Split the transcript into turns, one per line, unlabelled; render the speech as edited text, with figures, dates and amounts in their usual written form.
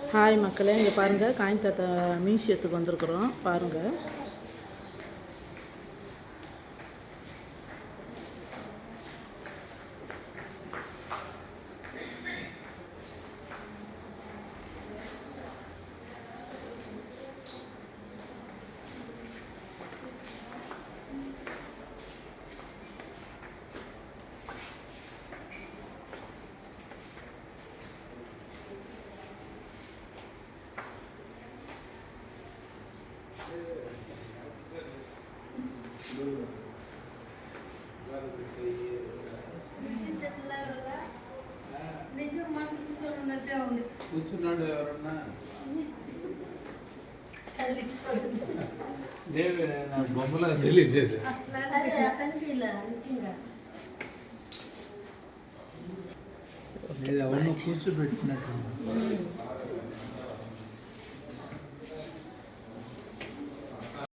Hi மக்களே, இங்கே பாருங்கள், காயின் தாத்தா மியூசியத்துக்கு வந்திருக்குறோம். பாருங்கள்.
కూర్చున్నాడు ఎవరన్నా లేవే నా బొమ్మలా తెలియదు ఎవరినో కూర్చోబెట్టినట్టు